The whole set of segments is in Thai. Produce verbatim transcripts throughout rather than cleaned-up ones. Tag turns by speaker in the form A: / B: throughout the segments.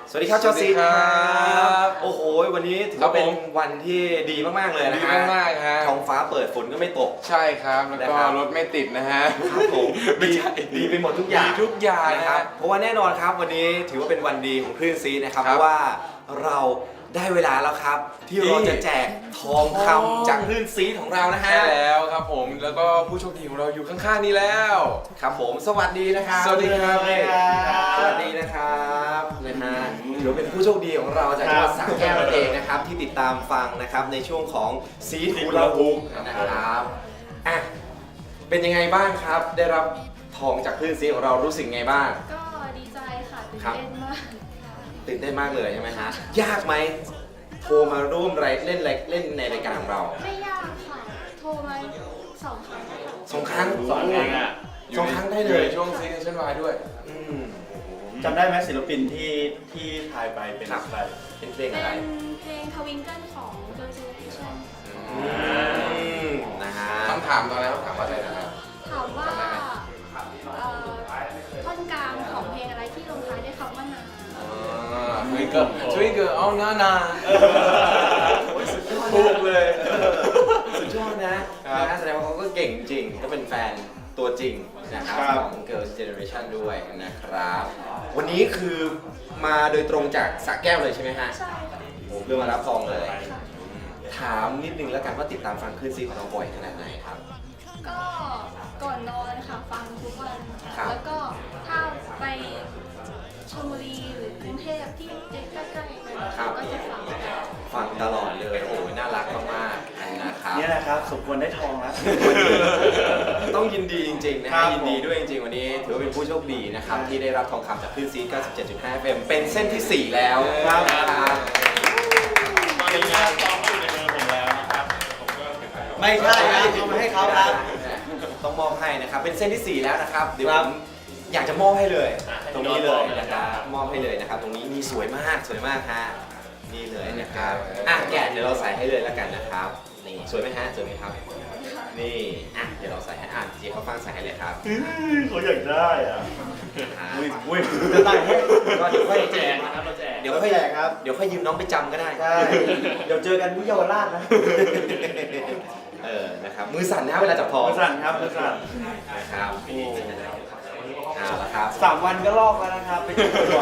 A: สวัสดีครับจอซีครับโอ้โหวันนี้ถือว่าเป็นวันที่ดีมากๆเลยนะฮะ
B: ดีมากๆฮะ
A: ท้องฟ้าเปิดฝนก็ไม่ตก
B: ใช่ครับแล้วก็รถไม่ติดนะฮะ
A: ครับผม
B: ไม่ใช่
A: ดีไปหมดทุกอย่าง
B: ดีทุกอย่าง
A: นะครับ เพราะว่าแน่นอนครับวันนี้ถือว่าเป็นวันดีของคลื่นซีนะครับเพราะว่าเราได้เวลาแล้วครับ ที่เราจะแจกทองคำจากคลื่นซีของเรานะฮะ
B: ใช่แล้วครับผมแล้วก็ผู้โชคดีของเราอยู่ข้างๆนี้แล้ว
A: ครับผมสวัสดีนะครับ
B: สวัสดีครับ
A: สวัสดีนะครับนะฮะถือว่าเป็นผู้โชคดีของเราจากจังหวัดสระแก้วนั่นเองนะครับที่ติดตามฟังนะครับในช่วงของซีทูลาฮุกนะครับอ่ะเป็นยังไงบ้างครับ ได้รับทองจากคลื่นซีของเรารู้สึกไงบ้าง
C: ก็ดีใจค่ะตื่น
A: ครับ
C: เต้นมากค่ะ
A: ตื่นเต้นมากเลยใช่ไหมฮะยากไหมโทรมาร่วมไรเล่นไรเล่นในรายการของเรา
C: ไม่ยากค่ะ โทรมาสองครั้งค่ะ
A: สองครั้ง
D: สองครั้งอะ
A: สองครั้งได้
B: อ
A: เล
B: ยู่
A: ย
B: ในช่วงซีซันวายด้วย
A: อืม
D: จำได้ไหมศิลปินที่ที่ทายไปเป็น
A: ครับ
D: ใคร
A: เป็นเพลง
C: เป็
A: อะไร
C: นเพลงทวิงเกิลของ Girl Generation
A: อืมนะฮะ
B: คำถามตอนนั้นเขาถามว่าอะไรนะครับ
C: ถามว่าเอ่อท่อนกลางของเพลงอะไรที่ลงท้ายด้วยคำว่านา
B: ทวิงเกิลทวิงเกิลเอาหน้านา
A: โอ้ยสุดยอด
B: ถูกเลย
A: สุดยอดนะครับ นะฮะแสดงว่าเขาก็เก่งจริงก็เป็นแฟนตัวจริงนะครับ
D: ครับ
A: ของ Girls Generation ด้วยนะครับ วันนี้คือมาโดยตรงจากสระแก้วเลยใช่ไหมฮะ
C: ใช่ค่ะ
A: ผมเพื่อมารับทองเลย ถามนิดนึงแล้วกันว่าติดตามฟังคลื่นซีของเราบ่อยขนาดไหนครับ
C: ก็ก่อนนอนค่ะฟังทุกวัน
A: ครับ
C: แล้วก็ถ้าไปชลบุรีหรือกรุงเทพที่ใกล้ๆกันก็จะฟัง
A: ฟังตลอดเลย โอ้โหน่ารักมากๆนะครับ
D: เนี่ยนะครับสมควรได้ทองแล้ว
A: ต้องยินดีจริงๆนะ
D: ครั
A: ฮะ
D: บ
A: ยินดีด้วยจริงๆวันนี้ถือว่าเป็นผู้โชคดีนะครับที่ได้รับทองคำจากคลื่นซี เก้าสิบเจ็ดจุดห้า เอฟ เอ็ม เป็นเส้นที่สี่แล้ว
D: ครับ
A: นะครับ
E: ตอนนี้ทองก็อยู่ในมือผมแล้วนะครับ ผมก็เก็บไว้
D: ไม่ใช่ครับเอามาให้เขาครับ
A: ต้องมอบให้นะครับเป็นเส้นที่สี่แล้วนะครับเดี๋ยว
D: ค
A: ผ
D: รับ
A: มอยากจะมอบให้เลย ตรงนี้เลยนะครับมอบให้เลยนะครับ ตรงนี้มีสวยมากสวยมากฮะนี่เลยนะครับอ่ะแกะเดี๋ยวเราใส่ให้เลยแล้วกันนะครับนี่สวยไหมฮะสวยไหมครับนี่อ่ะเดี๋ยวเราใส่ให้อ่านเจี๊ยบเขาฟังใส่ให้เลยครับ
D: เขาอยากได้อ่ะ
A: อ่า
D: อุ้ยอุ้ยจะได้ให้
A: ก็เดี๋ยวค่อย
E: แจกนะครับเราแจก
A: เดี๋ยวค่อย
D: แจกครับ
A: เดี๋ยวค่อยยืมน้องไปจำก็ได้
D: ใช่เดี๋ยวเจอกันที่เยาวราชนะ
A: เออนะครับมือสั่นนะเวลาจับทอง
D: มือสั่นครับมือสั่น
A: นะครับเอาละครับ
D: สามวันก็ลอกแล้วนะครับ ไปชุบบ่อย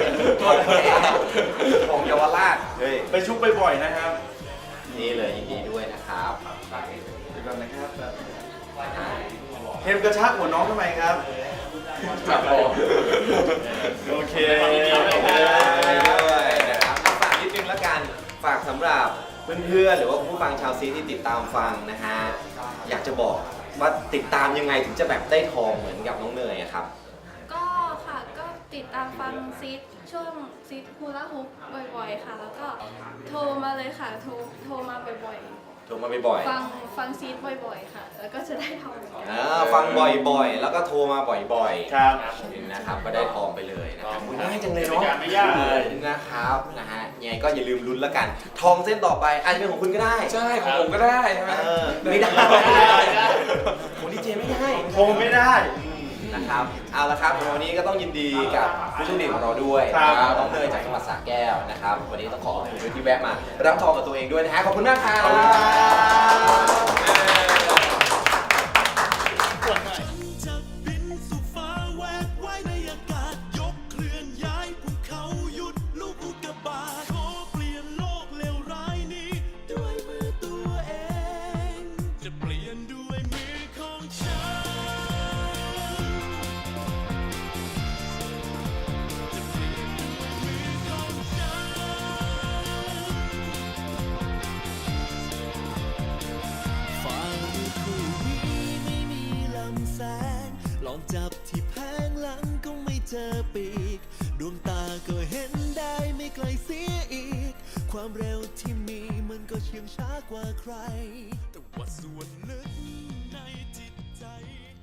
A: ของเยาวราชเฮ้ย
D: ๆไปชุบบ่อยๆนะครับ
A: นี่เลยยินดีด้วยนะครับ
D: เดี๋ยวก่อนนะครับเทมกระชากหัวน้องทำไมครับ
B: ครับผม
D: โอเค
A: ด้วยนะครับเอาฝากนิดนึงแล้วกันฝากสำหรับเพื่อนๆหรือว่าผู้ฟังชาวซีที่ติดตามฟังนะฮะอยากจะบอกว่าติดตามยังไงถึงจะแบบได้ทองเหมือนกับน้องเนยอะครับ
C: ก็ค่ะก็ติดตามฟังซีดช่วงซีดฮูลาฮุปบ่อยๆค่ะ แล้วก็โทรมาเลยค่ะ โทรโทรมาบ่อย
A: โทรมาบ่อย
C: ๆ ฟังฟังซีดบ่อยๆค่ะ แล้วก็จะได้ทอง
A: ๆอ่าฟังบ่อยๆ แล้วก็โทรมาบ่อยๆ
D: ครับ
A: นะครับก็ได้ทองไปเลยนะครับง่ายจังเลย
E: กติ
A: เนาะ
E: กาไม่ยากเลย
A: นะครับนะฮะยังไงก็อย่าลืมลุ้นแล้วกัน ทองเส้นต่อไปอาจจะเป็นของคุณก็ได้
B: ใช่ของผมก็ได้ใช่ไหม
A: เออไม่ได้
E: ไม่ได้
A: ของดีเจไม่ได้
D: โทรไม่ได้
A: นะครับเอาละครับวันนี้ก็ต้องยินดีกับผู้โชคดีของเราด้วย
D: ครับ
A: นะครับน้องเนยจากจังหวัดสระแก้วนะครับวันนี้ต้องขอขอบคุณด้วยที่แวะมารับทองกับตัวเองด้วยนะฮะขอบคุณมากครับ
D: ขอบคุณครับ
F: จะบินสู่ฟ้าแหวกไว้ในอากาศยกเคลื่อนย้ายภูเขาหยุดลูกอุกกาบาตขอเปลี่ยนโลกเลวร้ายนี้ด้วยมือตัวเอง จะเปลี่ยนด้วยมือของฉันจะเปลี่ยนด้วยมือของฉันฟ้าฤดูนี้ไม่มีลำแสง ลองจับที่แผงหลังก็ไม่เจอปีก ดวงตาก็เห็นได้ไม่ไกลเสียอีก ความเร็วที่มีมันก็เชื่องช้ากว่าใคร แต่ว่าส่วนลึกในจิตใจ